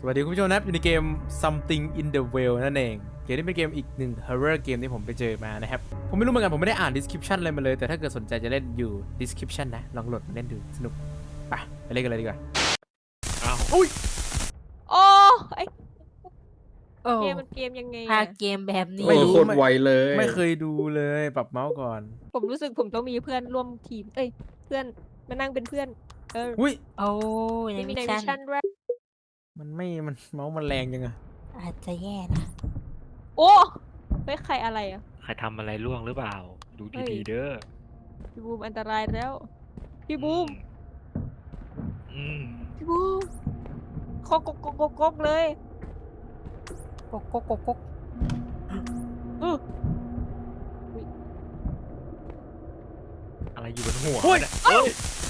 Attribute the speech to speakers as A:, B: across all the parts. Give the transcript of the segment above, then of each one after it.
A: สวัสดีคุณผู้ชมนะครับอยู่ในเกม Something in the Well นั่นเองเกมนี้เป็นเกมอีกหนึ่ง horror เกมที่ผมไปเจอมานะครับผมไม่รู้เหมือนกันผมไม่ได้อ่าน description อะไรมาเลยแต่ถ้าเกิดสนใจจะเล่นอยู่ description นะลองโหลดมาเล่นดูสนุกไปเล่นกันเลยดีกว่า
B: อ้าว
A: อุ้ย
C: โอ้ไอ
D: โอ้
C: เกมมันเกมยังไง
D: ถ้า
C: อะ
D: เกมแบบนี้
A: ไม่รู้
B: โคตรไวเลย
A: ไม่เคยดูเลยปรับเมาส์ก่อน
C: ผมรู้สึกผมต้องมีเพื่อนร่วมทีม เพื่อนมานั่งเป็นเพื่อน
A: อุ้ย
D: โอ้ใน
C: มี
D: มิช
C: ในมิ
D: ชั่
C: ชชั่
D: น
C: นด้วย
A: มันเมาส์มันแรงจังอะ
D: อาจจะแย่นะ
C: โอ้เฮ้ยใครอะไรอ่ะ
B: ใครทำอะไรล่วงหรือเปล่า ดู
C: เฮ้ย
B: ดีๆเด้อ
C: พี่บูมอันตรายแล้ว พี่บูม
B: อืม
C: พี่บูมกกเลย
D: กกกกกก
C: อื้อ
B: อะไรอยู่บนหัว
A: เฮ้ย
B: เนี่ยเอ้ย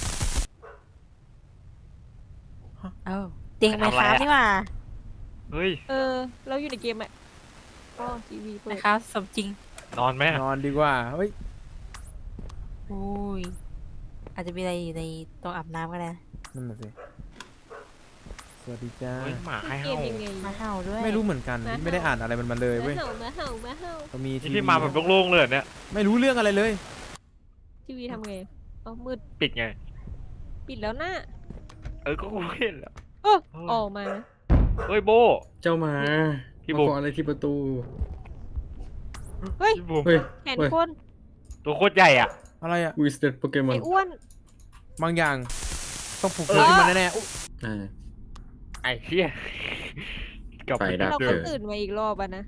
D: เอ้าเตียงไม
B: ทำอะไร
D: ค้า
B: อะ
D: นี่หว่า
B: เฮ้ย
C: เราอยู่ในเกมอ่ะอ๋อทีวีเปิ
D: ไม
C: ด
D: ค้าสมจริง
B: นอนไหมอะ
A: นอนดีกว่าเฮ้ย
D: อุ้ยอาจจะมีอะไรอยู่ในตรงอาบน้ำก็ได้นะ
A: นั่นน่ะสิสวัสดีจ้า
B: เฮ้ยหมาให้
C: เก
B: เห่าม
C: ยังไง
D: มาเห่าด้วย
A: ไม่รู้เหมือนกันไม่ได้อ่านอะไรมันมาเลยเว้ย
C: มาเห่า
A: ก็มี
B: นี่
A: ที
B: พี่มาแบบโล่งๆเลยเหรอเนี่ย
A: ไม่รู้เรื่องอะไรเลย
C: ทีวีทำไงอ๋อมืด
B: ปิดไง
C: ปิดแล้วน่ะ
B: ก็กูเห็นแล้ว
C: เออ
B: เฮ้ย
C: ออกมา
B: เฮ้ยโบ
E: เจ้าหมา
B: พี่
E: มา
B: บุ๊ค
E: เกาะอะไรที่ประตู
C: เฮ้ย
B: พี่บูม
E: เฮ้ย
C: แขน
E: เฮ้ย
C: คน
B: ตัวโคตรใหญ่อ่ะ
A: อะไรอะ
E: วิสเตอร์โปเกมอ
C: ไอ้
E: น
C: อ้วน
A: บางอย่างต้องผูกพันขึ้นมาแน่ๆอุ๊ย
E: อ่า
B: ไอ้เหี้ยกลับ
E: ไฟดับ
C: เรา
E: เจ
C: ก็
E: อ
C: ตื่นมาอีกรอบอะนะ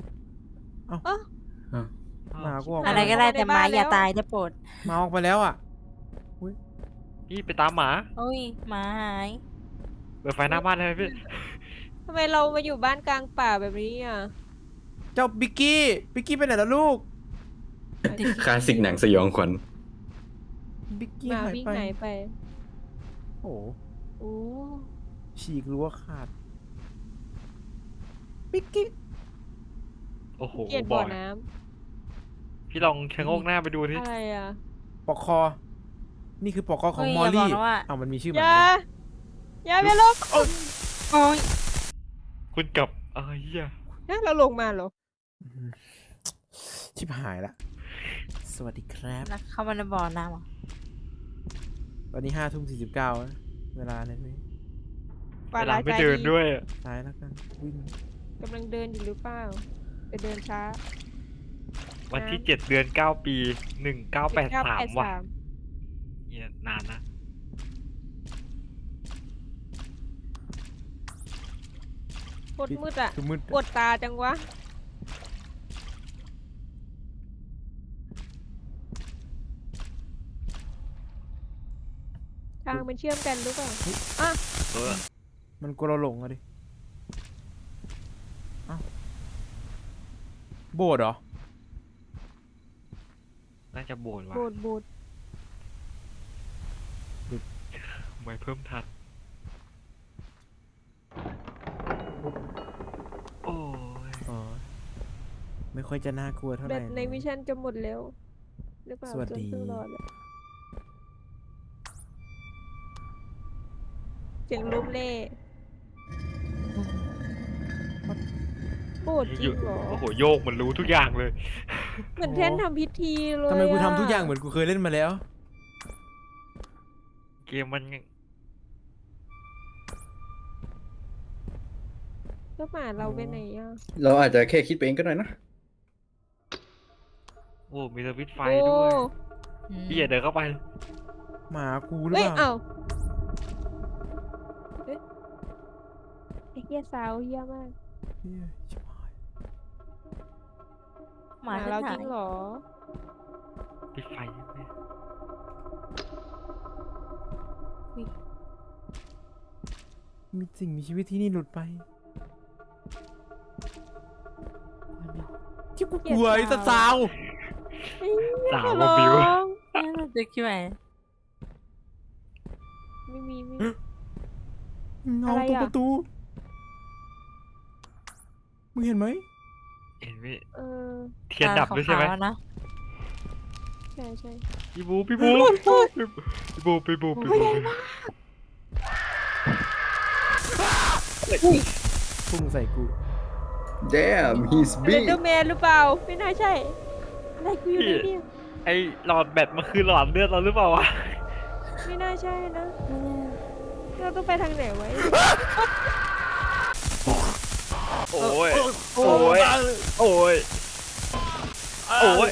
A: หมากูออก
D: อะไรก็ได้แต่หมาอย่าตายจะโปรด
A: หมาออกไปแล้วอ่ะ
B: พี่ไปตามหมา
D: โอ้ยหมาหาย
B: เปิดไฟหน้าบ้านได้ไหมพี่
C: ทำไมเรามาอยู่บ้านกลางป่าแบบนี้อ่ะ
A: เจ้าบิกกี้ไปไหนแล้วลูก
E: คลาสสิกหนังสยองขวัญ
A: บิกกี้
C: หมา
A: หาย
C: วิ่ง
A: ไป
C: ไหนไป
A: โอ้โห
C: โอ้
A: ฉีกรั้วขาดบิกกี้
B: โอ้โห
C: เกลียด
B: บ
C: บ่อ
B: อก
C: น้
B: พี่ลองชะโงกหน้าไปดู
C: ำ
B: ที่
C: อะไรอ่ะ
A: ปอกคอ นี่คือปอกคอของ
D: เฮ้ย
A: มอล
D: อย่าบอ
A: ลี่
D: กนะว่า
A: อ้าวมันมีชื่อ
C: อ
A: มัน
C: ย่า
A: นะ
C: อย่าไปลง
D: โอ้ย
B: คุณกับเหี้ย
C: นะเราลงมาเหรอ
A: อืมชิบหายละสวัสดีครับ
D: แล้วเข้ามาในบ่อน้ำเหรอ
A: ตอนนี้5:49นะเวลาเนี่ยนี่
C: ปลา
B: เวลา
C: ลาย
B: ไม่
C: ใจ
B: เดิน
C: ดี
B: ด้วยอะ
A: ตายแล้วกันวิ่ง
C: กำลังเดินอยู่หรือเปล่าจะเดินช้า
B: วันที่7 เดือน 9 ปี 1983 ว่ะ
C: 1983
B: เนี่ยนานนะ
C: โคตรมืดอ่ะ
A: คือมืด
C: ปวดตาจังวะ ทางมันเชื่อมกันหรือเปล่าอ่ะ
B: เออ
A: มันกลัวเราหลงอะดิเอ้าโบดเหรอ
B: น่าจะโบนว่ะ
C: โบดโบด
B: ไม่เพิ่มทัน โอ้ย
A: อ๋อไม่ค่อยจะน่ากลัวเท่าไห
C: แบ
A: ร่
C: บในมิชชั่นจะหมดแล้วหรือเปล่า
A: สวัสดี
C: จนเพิ่งรอดอะเสียงล้มเล่โบดจริงเหรอ
B: โอ้โห โยกมันรู้ทุกอย่างเลย
C: เหมือนแท่นทำพิธีเลย
A: ทำไมกู
C: อะ
A: ทำทุกอย่างเหมือนกูเคยเล่นมาแล้ว
B: เกมมัน
C: แล้วหมาเราไปไหนอ่ะ
E: เราอาจจะแค่คิดไปเองก็ได้นะ
B: โอ้มีสวิตช์ไฟ
C: โอ้
B: ด้วย
D: อืม
B: พี่อย่าเดินเข้าไป
A: หมากูหรือ
C: เฮ้ย
A: เปล่า
C: เอ้าเฮ้ยไอ้เหี้ยสาวเหี้ยมาก
A: เหี้ยชิบหาย
D: หมา
C: เรา
D: ฉัน
C: จ
D: หา
C: ริ
D: ย
C: งเหรอ
B: ปิดไฟยังไง
A: มีสิ่งมีชีวิตที่นี่หลุดไปที่กูกลัวไอ้สาว
B: สาวมาบิว
C: ร้อง
D: น่าจะคิดว่า
C: ไม่มี
A: เงา
C: อะไร
A: ตรง
C: อะ
A: ประตูมึงเห็นไหม
B: เห็นไหม
C: เออ
B: เทียนดับด้วยใช่ไหม
D: ขาวๆนะ
C: ใช่ใช่
B: พี่บูพี่บูพี่บูพี่บูพี่บู
A: โพุ่งใส่กู
E: damn he's
C: เลน
E: big
C: เดอร์แมนหรือเปล่า ไม่น่าใช่อะไรกูอยู่ในเนี่ย
B: ไอหลอดแบตมันคือหลอดเลือดเราหรือเปล่าวะ
C: ไม่น่าใช่นะเราต้องไปทางไหนไว้
B: โอ้ยโอ้ยโอ้ยโอ้ย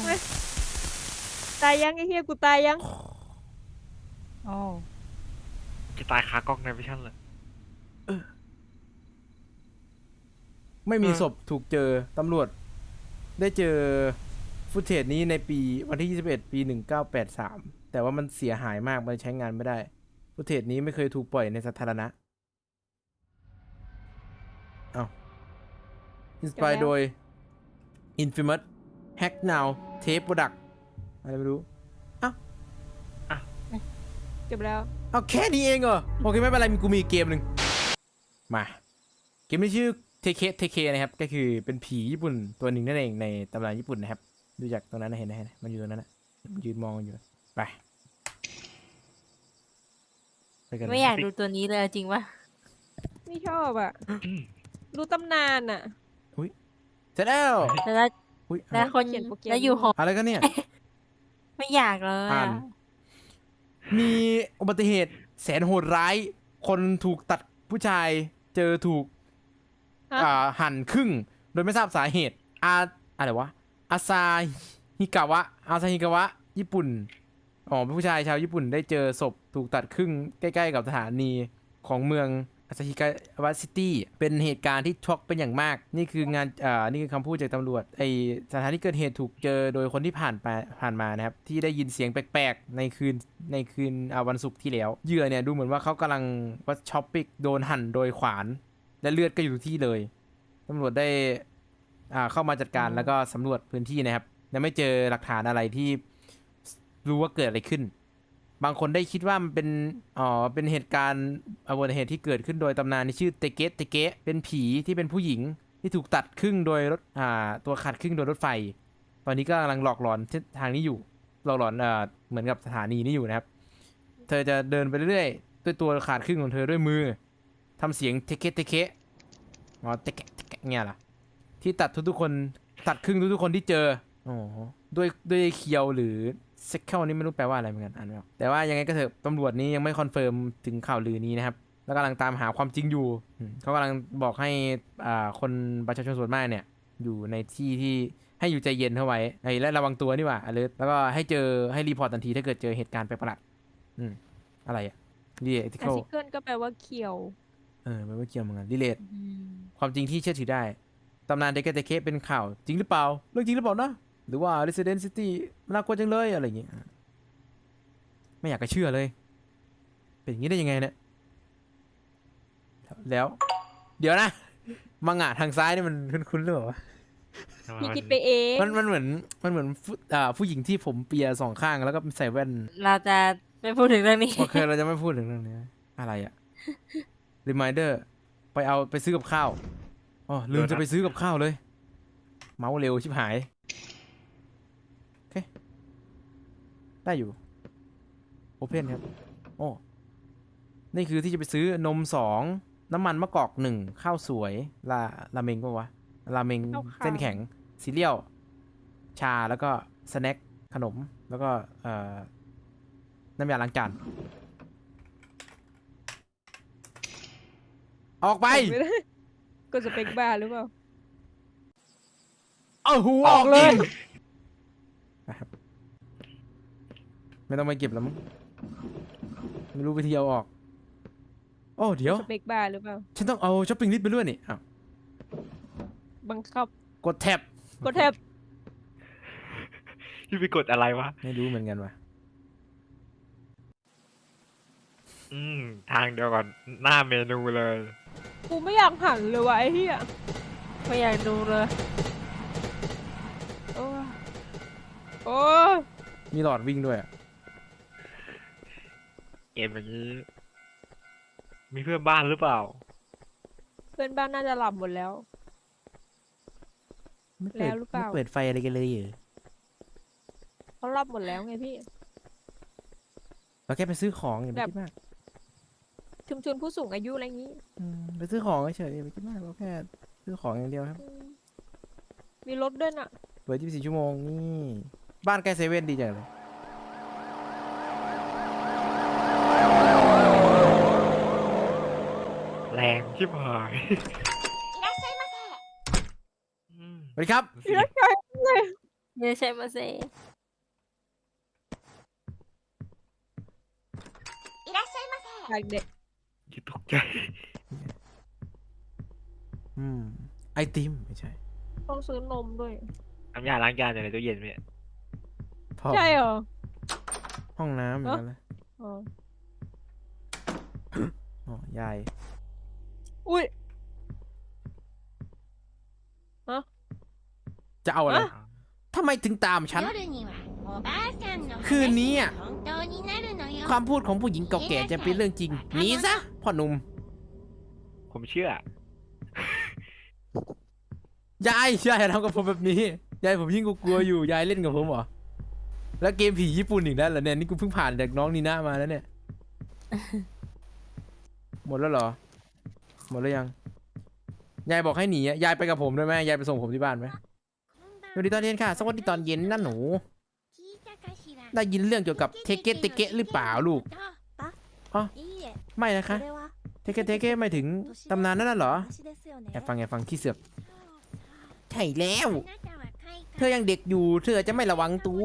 C: ตายยังไอ้เฮียกูตายยัง
D: โอ้
B: จะตายคากล้องในวิชั่นเลย
A: ไม่มีศพถูกเจอ ตำรวจได้เจอฟุตเทจนี้ในปีวันที่ 21 ปี 1983 แต่ว่ามันเสียหายมาก มันใช้งานไม่ได้ ฟุตเทจนี้ไม่เคยถูกปล่อยในสาธารณะอ้าวอินสปายโดย Infamous Hack Now Tape Product อะไรไม่รู้
C: จบแล้ว
A: เอาแค่นี้เองเหรอ โอเคไม่เป็นไรกูมีอีกเกมหนึ่งมา เกมนี้ชื่อเทเคนะครับ ก็คือเป็นผีญี่ปุ่นตัวหนึ่งนั่นเองในตำราญี่ปุ่นนะครับ ดูจากตรงนั้นนะเห็นนะมันอยู่ตรงนั้นนะมันยืนมองอยู่ ไปไปกัน
D: ไม่อยากดูตัวนี้เลยเอาจริงปะ
C: ไม่ชอบอ่ะ รู้ตำนานอ่ะ
A: เสร็จแล้ว
D: แล้ว
A: อุ้ย
D: แล้วคน
C: เขียนโปรแกรม
D: แล้วอยู่หอ
A: อะไรกันเนี่ย
D: ไม่อยากเลย
A: อ่าน มีอุบัติเหตุแสนโหดร้าย คนถูกตัดผู้ชายเจอถูก
C: ฮะ
A: หั่นครึ่ง โดยไม่ทราบสาเหตุอะไรวะอาซาฮิกาวะญี่ปุ่นเป็นผู้ชายชาวญี่ปุ่นได้เจอศพถูกตัดครึ่งใกล้ๆกับสถานีของเมืองอาซาฮิกาวะซิตี้เป็นเหตุการณ์ที่ช็อกเป็นอย่างมาก นี่คืองานนี่คือคำพูดจากตำรวจสถานที่เกิดเหตุถูกเจอโดยคนที่ผ่านมานะครับที่ได้ยินเสียงแปลกๆในคืนวันศุกร์ที่แล้วเหยื่อเนี่ยดูเหมือนว่าเขากำลังว่าช็อปปิ้งโดนหั่นโดยขวานและเลือดก็อยู่ที่เลยตำรวจได้เข้ามาจัดการแล้วก็สำรวจพื้นที่นะครับยังไม่เจอหลักฐานอะไรที่รู้ว่าเกิดอะไรขึ้น บางคนได้คิดว่ามันเป็นเหตุการณ์อุบัติเหตุที่เกิดขึ้นโดยตำนานที่ชื่อเตเกะเป็นผีที่เป็นผู้หญิงที่ถูกตัดครึ่งโดยรถตัวขาดครึ่งโดยรถไฟ ตอนนี้ก็กำลังหลอกหลอนทางนี้อยู่หลอกหลอนเหมือนกับสถานีนี้อยู่นะครับเธอจะเดินไปเรื่อยๆด้วยตัวขาดครึ่งของเธอด้วยมือทำเสียงเตเกะเตเกะเนี่ยล่ะที่ตัดทุกๆคนตัดครึ่งทุกๆคนที่เจอด้วยเคียวหรือเซ็กเคิลนี่ไม่รู้แปลว่าอะไรเหมือนกันอ่านไม่ออกแต่ว่ายังไงก็เถอะตำรวจนี้ยังไม่คอนเฟิร์มถึงข่าวลือนี้นะครับแล้วกำลังตามหาความจริงอยู่เขากำลังบอกให้คนประชาชนส่วนมากเนี่ยอยู่ในที่ที่ให้อยู่ใจเย็นเข้าไว้และระวังตัวนี่หว่าalertแล้วก็ให้รีพอร์ตทันทีถ้าเกิดเจอเหตุการณ์แปลกประหลาดอะไรอ่ะรีเลท
C: อาซิเคิลก็แปลว่าเขียว
A: ไม่ว่าเกี่ยวเหมือนกันรีเลท
D: อืม
A: ความจริงที่เชื่อถือได้ตำนานเดกเตเคเป็นข่าวจริงหรือเปล่าเรื่องจริงหรือเปล่านะหรือว่า Resident City น่ากลัวจังเลยอะไรอย่างเงี้ยไม่อยากจะเชื่อเลย เป็นอย่างนี้ได้ยังไงเนี่ยแล้ว เดี๋ยวนะมังงะทางซ้ายนี่มันคุ้นๆหรือเปล่าวะ
C: พี่คิดไปเอง
A: มันเหมือนผู้หญิงที่ผมเปียสองข้างแล้วก็ใส่แว่น
D: เราจะไม่พูดถึงเรื่องนี้
A: โอเคเราจะไม่พูดถึงเรื่องนี้อะไรอะ reminder ไปซื้อกับข้าวอ๋อลืมจะไปซื้อกับข้าวเลย เมาส์เร็วชิบหายโอเคได้อยู่โอเพนครับโอ้นี่คือที่จะไปซื้อนม2น้ำมันมะกอก1ข้าวสวยราเมงปะวะราเมงเส้นแข็งซีเรียลชาแล้วก็สแน็คขนมแล้วก็น้ำยาล้างจานออกไป
C: ไม่ได้กดสเปคบาร์หรือเปล่า
A: เอาหูออกเลยนะครับไม่ต้องไปเก็บแล้วมั้งไม่รู้วิธีเอาออกโอ้เดี๋ยว
C: สเปคบาร์หรือเปล่า
A: ฉันต้องเอาช้อปปิ้งลิสต์ไปด้วยนี่อ้าว
C: บังคับ
A: กดแท็บ
C: กดแท็บ
B: พี่ไปกดอะไรวะ
A: ไม่รู้เหมือนกันว่ะ
B: ทางเดียวก่อนหน้าเมนูเลย
C: กูไม่อยากหันเลยวะไอ้เหี้ย
D: ไม่อยากดูเลย
C: โอ้ยโอ้ย
A: มีหลอดวิ่งด้วยอะ
B: เกมอย่างนี้ มีเพื่อนบ้านหรือเปล่า
C: เพื่อนบ้านน่าจะหลับหมดแล้ว
A: ไม่
C: แล้วหรือเปล่า
A: ไม่เปิดไฟอะไรกันเลยเหรอ
C: เขาหลับหมดแล้วไงพี่
A: เราแค่ไปซื้อของอย่าไป
C: แบบ
A: คิดมาก
C: ชุมชนผู้สูงอายุอะไรอย่างนี้
A: ไปซื้อของเฉยๆไม่คิดมากเราแค่ซื้อของอย่างเดียวครับ
C: มีรถด้วยน่ะ
A: เปิด24 ชั่วโมงนี่บ้านใกล้เซเว่นดีจังเลย
B: แรงชิบหาย
A: สวัสดีครับ
B: สิ
D: เดี๋ยวใช่มาเซ
C: อยากเด็ก
B: อย่าตกใจ
A: ไอติมไม่ใช่
C: ต้องซื้อนมด้วย
B: น้ำยาล้างจานอยู่ในตู้เย็นพี่
A: พ่อ
C: ใช่เหรอ
A: ห้องน้ำอย่างนั้นเลย
C: อ๋อ
A: อ๋อยาย
C: อุ้ย
A: จะเอาอะไร
C: อะ
A: ทำไมถึงตามฉัน คืนนี้อ่ะ ความพูดของผู้หญิงเก่าแก่จะเป็นเรื่องจริงหนีซะพ่อหนุ่ม
B: ผมเชื่อ
A: ยายอย่าทำกับผมแบบนี้ ยายผมยิ่งกลัวอยู่ ยายเล่นกับผมเหรอ แล้วเกมผีญี่ปุ่นอีกแล้วเหรอเนี่ย นี่กูเพิ่งผ่านจากน้องนีน่ามาแล้วเนี่ย หมดแล้วเหรอ หมดแล้วยัง ยายบอกให้หนีอะยายไปกับผมได้ไหมยายไปส่งผมที่บ้านไหมสวัสดีตอนเย็นค่ะ สวัสดีตอนเย็นนะหนู ได้ยินเรื่องเกี่ยวกับเทเกะเทเกะหรือเปล่าลูก อ๋อ ไม่นะคะ เทเกะเทเกะหมายถึงตำนานนั่นน่ะเหรอแอบฟังขี้เสือกใช่แล้ว เธอยังเด็กอยู่ เธอจะไม่ระวังตัว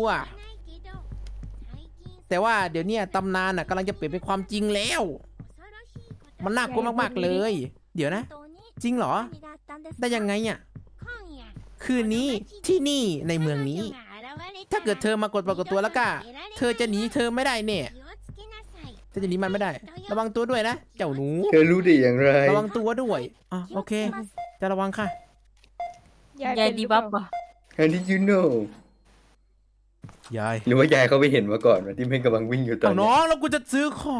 A: แต่ว่าเดี๋ยวเนี้ยตำนานน่ะกำลังจะเปลี่ยนเป็นความจริงแล้ว มันน่ากลัวมากๆเลย เดี๋ยวนะ จริงเหรอ ได้ยังไงอ่ะ คืนนี้ที่นี่ในเมืองนี้ ถ้าเกิดเธอมากดปรากฏตัวแล้วก็เธอจะหนีเธอไม่ได้เนี่ยเธอจะหนีมันไม่ได้ ระวังตัวด้วยนะ เจ้าหนู
E: เธอรู้ได้อย่างไร
A: ระวังตัวด้วยอ๋อโอเค จะระวังค่ะ
D: ยาย
C: เป็นห
D: ดี
C: รือเป
D: บั
C: ล่า
D: ฟเหรอ
E: How did you know
A: ยาย
E: หรือว่ายายเขาไปเห็นมาก่อนว่าที่แม่งกำลังวิ่งอยู่ตอน
A: เอา
E: เนี้
A: น้
E: ย
A: องแล้วกูจะซื้อของ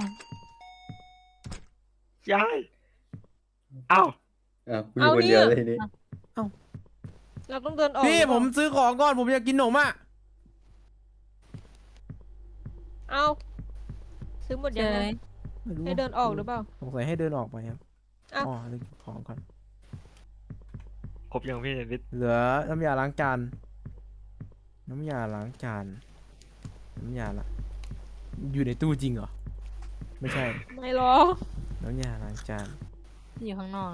B: ยาย เอ้า
E: อ้าวกูอยู่คนเดียวเลยทีนี้
C: เราต้องเดินออก
A: พี่
C: หรือเป
A: ผ
C: ล่าม
A: ซื้อของก่อนผมอยากกินขนมอ่ะ
C: เอาซื้อหมด
D: เจ
C: ยัง
D: อ
C: ไง
A: ไม่รู้
C: ให้เดินออกหรือเปล่า
A: สงสัยให้เดินออกไปครับ
C: อ้าว
A: อ๋อเรื่องของก่อน
B: ครบยังพี่นิด
A: เหลือน้ำยาล้างจาน น้ำยาล้างจาน น้ำยาละ อยู่ในตู้จริงเหรอ ไม่ใช่
C: ไม่หรอก
A: น้ำยาล้างจาน
D: อยู่ข้างนอก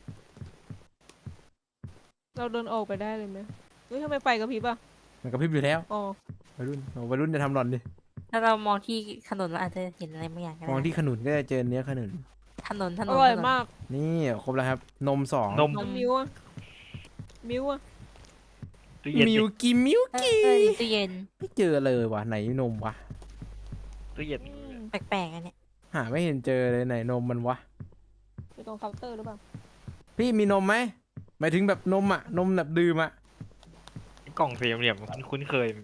C: เราเดินออกไปได้เลยไหมเฮ้ยทำไมไฟกระพริบอ่ะ
A: มันกระพริบอยู่แล้ว
C: อ๋อ
A: วัยรุ่นโอ้วัยรุ่นจะทำหล่อนดิ
D: ถ้าเรามองที่ถนนเราอาจจะเห็นอะไรบางอย่างก็
A: มอง
D: ได้
A: ที่ขนุนก็จะเจอเนื้อขนุน
D: ถนน
C: อร่อย
D: ถนน
C: มาก
A: นี่ครบแล้วครับ นมสอง
B: นม
C: น้ำมิ้วอ่ะมิ้วอ่ะ
B: ตู้เย็น
A: มิวกี้มิว
D: เออ
A: กี้
D: ตู้เย็น
A: ไม่เจอเลยว่ะไหนนมวะ
B: ตู้เย็น
D: แปลกๆอันเนี้ย
A: หาไม่เห็นเจอเลยไหนนมมันวะ
C: อยู่ตรงเคาน์เตอร์หรือเปล่า
A: พี่มีนมไหมหมายถึงแบบนมอ่ะ นมแบบดื่มอ่ะ
B: กล่องสี่เหลี่ยมคุ้นเคย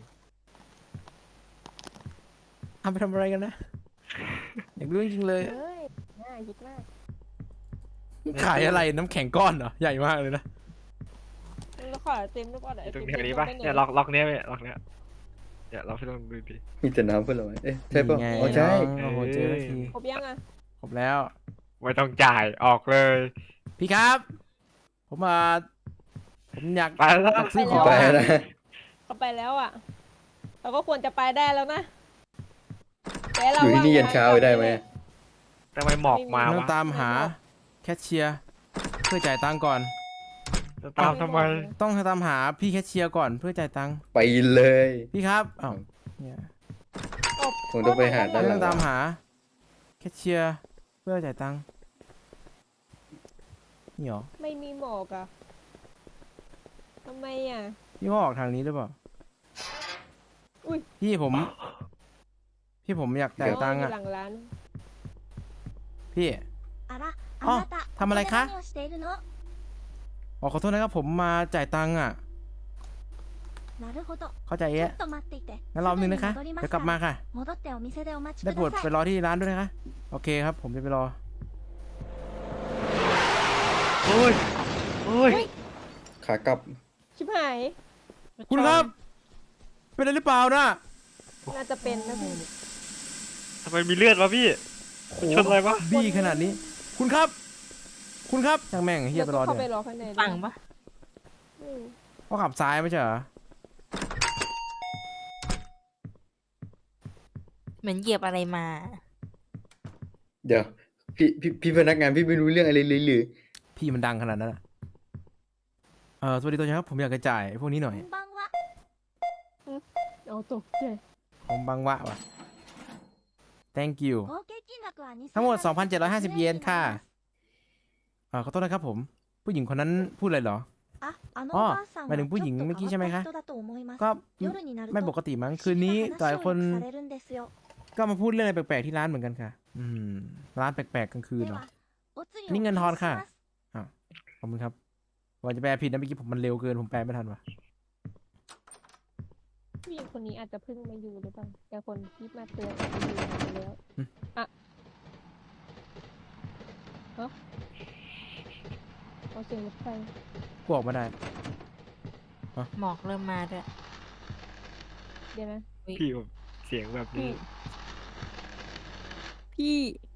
A: เอาไปทำอะไรกันนะ อยากรู้จริงๆเลย
C: เฮ้ยง่ายคิดมาก
A: ขายอะไรน้ำแข็งก้อนเหรอ ใหญ่มากเลยนะ
C: แล้วขอไอติมด้วยป่ะเดี๋ยวไอ
B: ตร
C: ติ
B: ง
C: ม
B: แถวนี้ปะ
C: ไปไห
B: เนี่ยล็อกเนี้ยพี่ล็อกเนี้ยเดี๋ยวเราพี่ลองดูดิ
E: มีแต่น้ำเพื่อนเราเอ๊ะใช่ป่ะ
A: นี่ไง
E: อ๋อใช่
A: น้องโอ้โหเจอแล้วที
C: ครบยังอ่ะ
A: ครบแล้ว
B: ไม่ต้องจ่ายออกเลย
A: พี่ครับ ผมอยาก
B: ไปแล้ว
A: อยากซื้อของ
E: ไปนะ
C: เขาไปแล้วอ่ะ เราก็ควรจะไปได้แล้วนะแต่เรา
E: อยู่ที่นี่ยันเช้าได้ไหม
B: ทำไมหมอกมา
A: ต้อ
B: วะ
A: งตามหาแคชเชียร์เพื่อจ่ายตังค์ก่อน
B: จะตามทำไม
A: ต้องตามหาพี่แคชเชียร์ก่อนเพื่อจ่ายตังค์
E: ไปเลย
A: พี่ครับอ้าวเนี่ย
E: คงต้องไปหาด้านห
A: ต้
E: ลั
A: อง งตามหาแคชเชียร์เพื่อจ่ายตังค์นี่หรอ
C: ไม่มีหมอกอ่ะทำไมอ่ะ
A: พี่ว่าออกทางนี้หรือเปล่า
C: อุ้ย
A: พี่ผมอยากจ่ายตังค์
C: ยู่
A: อ่ะ
C: หลังร้าน
A: พี่
F: อ๋อ
A: ทำอะไรคะ
F: ทำอะไรคะ
A: อ๋อขอโทษนะครับผมมาจ่ายตังค์อ่ะ เข้าใจ
F: ちょ
A: เอ๊ะ
F: っと待っていて
A: งั้นรอบนึงนะคะ
F: すぐに戻ります
A: เดี๋ยวกลับมาค่ะ
F: 戻ってお店でお待ち
A: ได้
F: く
A: โปรด
F: だ
A: ไป
F: さい
A: รอที่ร้านด้วยนะคะ โอเคครับ ผมจะไปรอ
B: โอ้ยโอ้ย
E: ขากลับ
C: ชิบหาย
A: คุณครับ เป็นอะไรหรือเปล่านะ
C: น่าจะเป็นนะพี่
B: ทำไมมีเลือดวะพี่
A: โห
B: ชนอะไรวะ
A: บี้ขนาดนี้ คุณครับ คุณครับช่างแม่งเฮีย
C: เดี๋ยว
A: ไปร
C: ก็
A: อ
C: เข้าไป
A: เนี่ย
C: รอข้างใน
D: ฝั่งปะ
C: อืม
A: เขาขับซ้ายไม่ใช่เหรอ
D: เหมือนเหยียบอะไรมา
E: เดี๋ยวพี่พนักงานพี่ไม่รู้เรื่องอะไรเลยหรือ
A: พี่มันดังขนาดนั้นอะสวัสดีตัวครับ ผมอยากจะจ่ายพวกนี้หน่อย
F: こんばんは
C: เอาตกใจ
A: ผมบังวะว่ะ thank you
F: 合計金額は2000
A: ทั้งหมด 2,750 เยนค่ะขอโทษนะครับผม ผู้หญิงคนนั้นพูดอะไรเหรอ
F: あ、あの
A: あ
F: おばあさんは
A: หมายถึงผู้หญิงเมื่อกี้ใช่ไหมคะ
F: ちょっと変わった人だと思います
A: ก็
F: 夜になると
A: ไม่ปกติมั้งคืนนี้
F: 不思議
A: หลายคน
F: 話をよくされるんですよ
A: ก็มาพูดเรื่องอะไรแปลกๆที่ร้านเหมือนกันค่ะ ร้านแปลกๆกลางคืน
F: で
A: เหรอ
F: はお釣りを
A: นี่เงินทอนค่ะ
F: お返しします
A: ขอบคุณครับว่าจะแปลผิดนะเมื่อกี้ผมมันเร็วเกินผมแปลไม่ทันว่ะ
C: ผู้หญิงคนนี้อาจจะเพิ่งมาอยู่หรือเปล่าแต่คนที่มาเตือนอาจจะอยู่นานแล้วอ่ะฮะเอาเสียงรถไฟ
A: กูออกมาได้
D: หมอกเริ่มมาด้วย
C: เดี๋ยวนะ
B: พี่แบบเสียงแบบนี้
C: พี่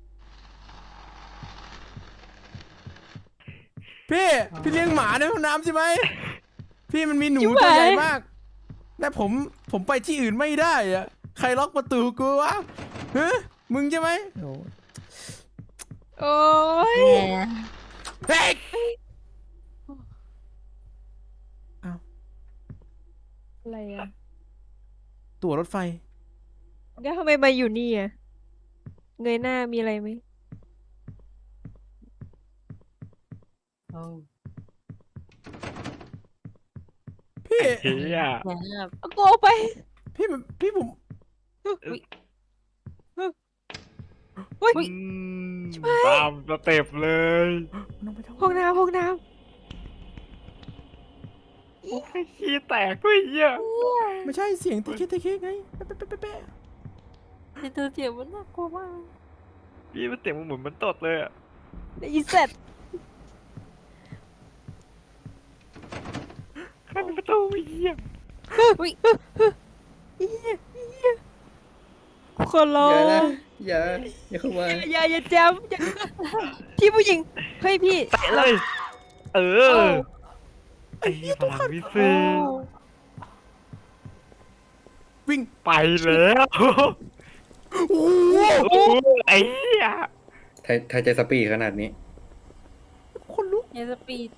A: พี่เลี้ยงหมาในห้องน้ำใช่ไหมพี่มันมีหนูตัวใหญ่มากแต่ผมไปที่อื่นไม่ได้อะใครล็อกประตูกูวะฮะมึงใช่ไหมโอ้
C: โอ้ย
A: เฮ้ย
C: อะไรอะ
A: ตั๋วรถไฟ
C: แล้วทำไมมาอยู่นี่อะเงยหน้ามีอะไรไหม
A: พี่
B: เฮีย
D: เสียงแบบ
C: เอากูเอาไป
A: พี่ผม
B: ตามสเต็ปเลย
A: มันต้องไปทาง
C: ห้องน้ำห้องน้
B: โอ้ยขี้แตกด้วยเฮีย
A: ไม่ใช่เสียงตะเคียนไงแป๊ะแป๊ะแป๊ะแป๊ะ
D: ในตัวเสียงมันน่ากลัวมาก
B: พี่มันเสียงมันเหมือนมันตดเลยอะ
C: ำได้ยินเสร็จ
B: ใครเป็นประตูเฮีย
C: คนรอ
E: อย่านะอย่าเข้ามา
C: อย่าแจมอย่าพี่ผู้หญิง เฮ้ยพี่
B: แตะเลย เอ
C: เอ้า
B: อไอ้พลังวิเศษ
A: วิ่ง
B: ไปแล้ว
A: โอ้โห
B: โอ้ไอ้เหี้ย
E: ไทยใจสปีดขนาดนี้
A: คนลุก
D: อย่าสปีด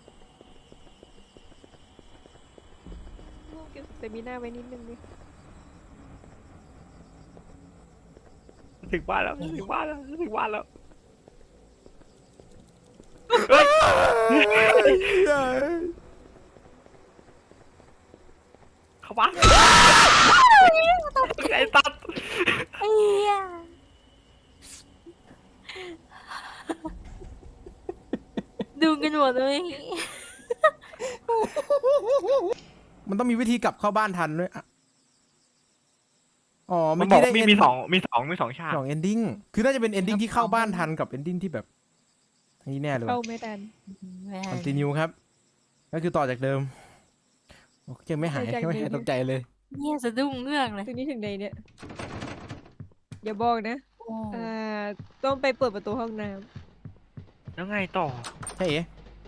C: แต่มีหน้าไว้นิดนึงดิ
B: ถึงบ้านแล้วถึงบ้านแล้วถึงบ้านแล้ว เข้าบ้านไอ้ตัด
D: ไอ้เหี้ย ดูกันหมดเลย
A: มันต้องมีวิธีกลับเข้าบ้านทันด้วยอะอ๋อ
B: มั
A: เมื่
B: น
A: อ
B: บอก
A: กี้ได้
B: มี
A: end
B: สองฉาก
A: สอง ending คือน่าจะเป็น ending ที่เข้าบ้านทันกับ ending ที่แบบอันนี้แน่เลย
C: เข้า
A: ว่ะ
C: ไม่ทัน
D: ไม่ทัน
A: continue ครับ ก็คือต่อจากเดิมโอ้ยังไม่หาย
C: ต่อจาก
A: ยังไม่หาย
C: เดิม
A: ตกใจเลย
D: เนี่ยสะดุ้งเงือกเลย
C: ถึงนี้ถึงใดเนี่ยอย่าบอกนะ
D: โอ้
C: ต้องไปเปิดประตูห้องน้
B: แล้วไงต่อ
A: ใช่เอ๋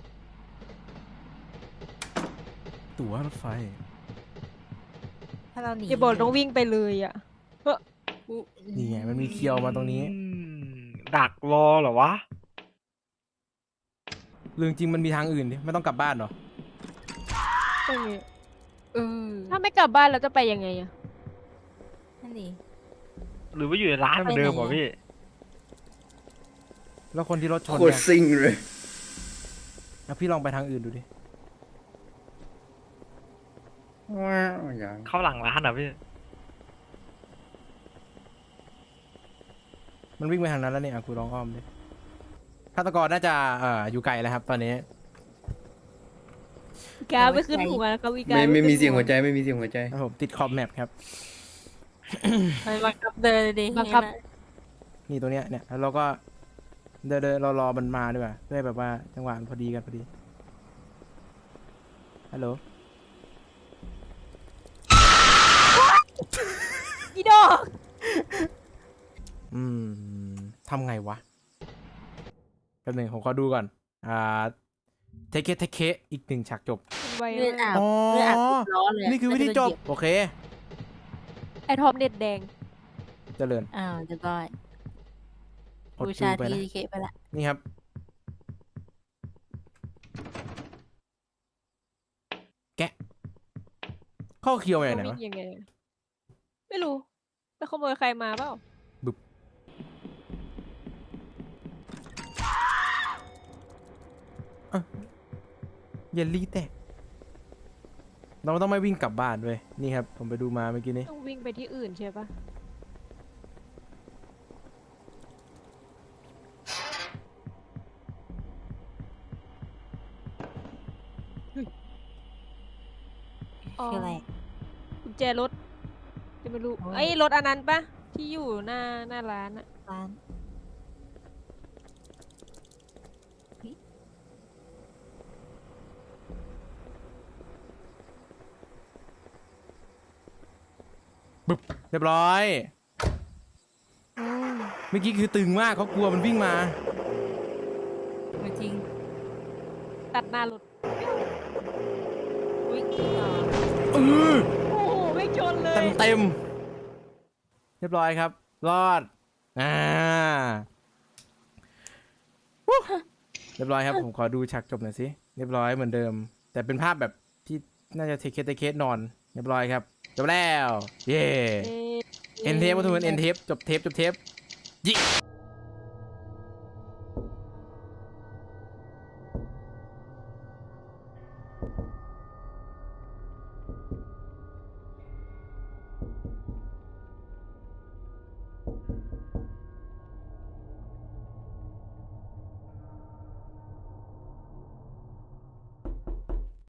A: ตั๋วรถไฟ
D: ถ้าเราหนี
C: ำอย่าบอกต้องวิ่งไปเลยอ่ะ
A: นี่ไง มันมีเคียวมาตรงนี้
B: ดักรอเหรอวะ
A: เรื่องจริงมันมีทางอื่นดิไม่ต้องกลับบ้านเหรอ
C: ตรงนี้
D: เออ
C: ถ้าไม่กลับบ้านเราจะไปยังไงอ่ะ
D: นั่นดิ
B: หรือว่าอยู่ในร้านเหมือนเดิมเหรอพี่
A: แล้วคนที่รถชน
E: โคตร
A: เนี่ย
E: ซิ่งเลย
A: แล้วพี่ลองไปทางอื่นดูดิ
E: ว้าวอย่าง
B: เข้าหลังร้านเหรอพี่
A: มันวิ่งไปทางนั้นแล้วเนี่ยกูลองอ้อมดิฆาตกรน่าจะอยู่ไกลแล้วครับ ตอนนี้
C: กาไม่ขึ้นหัวแล้วก็วิกา
E: ไม่มีเสียงหัว
C: ใจ
E: ใจไม่มีเสียงหัวใจ
A: ครับผมติดขอบแมปครับ
D: ไปบังคับเดินเลยดิ
C: บังคับ
A: นี่ตัวเนี้ยเนี่ยแล้วเราก็เดินรอมันมาด้วยเพื่อให้แบบว่าจังหวะมันพอดีกันพอดีฮัลโหล
C: อีดอก
A: อืมทำไงวะแป๊บหนึงผมขอดูก่อนเทเคอีก1ฉากจบ
C: ไว
D: เลือด
C: มาก
D: อาบ
A: อ๋อ
D: เลือดอาบติดล้อเลยะ
A: นี่คือวิธีจบ
D: แล้วก็โดนเหยีย
A: โอเค
C: ไอทอมเน็ตแดง
A: เจริญ
D: อ้าวเรียบร้อย
A: อด
D: บู
A: ดู
D: ชา
A: ไปนะ
D: ทีเคไปละ
A: นี่ครับ แกะ ข้อเคียวมาจากไหน
C: วิ่
A: วะ
C: งยังไงอะไม่รู้ไปขโมยใครมาเปล่า
A: เยลลี่แตกเราต้องไม่วิ่งกลับบ้านด้วยนี่ครับ ผมไปดูมาเมื่อกี้นี้
C: ต้องวิ่งไปที่อื่นใช่ปะอ๋อ
D: คืออะไร
C: กุญแจรถจะไม่รู้
D: โอ้ย
C: ไอ้รถอันนั้นปะที่อยู่หน้าร้านอะ
D: ร้าน
A: เรียบร้อย เมื่อกี้คือตึงมากเขากลัวมันวิ่งมา
D: ไม่จริง
C: ตัดหน้ารถ
D: วิ่งต่อ
A: เออ
C: โอ้โหไม่ชนเลย
A: เต็มเรียบร้อยครับ รอดวู้เรียบร้อยครับ ผมขอดูฉากจบหน่อยสิ เรียบร้อยเหมือนเดิม แต่เป็นภาพแบบที่น่าจะเทเคสนอน เรียบร้อยครับ จบแล้ว เย้
C: เอ๊ะ
A: เอ็นเทปก็ทุกคนเอ็นเทปจบเทปยิ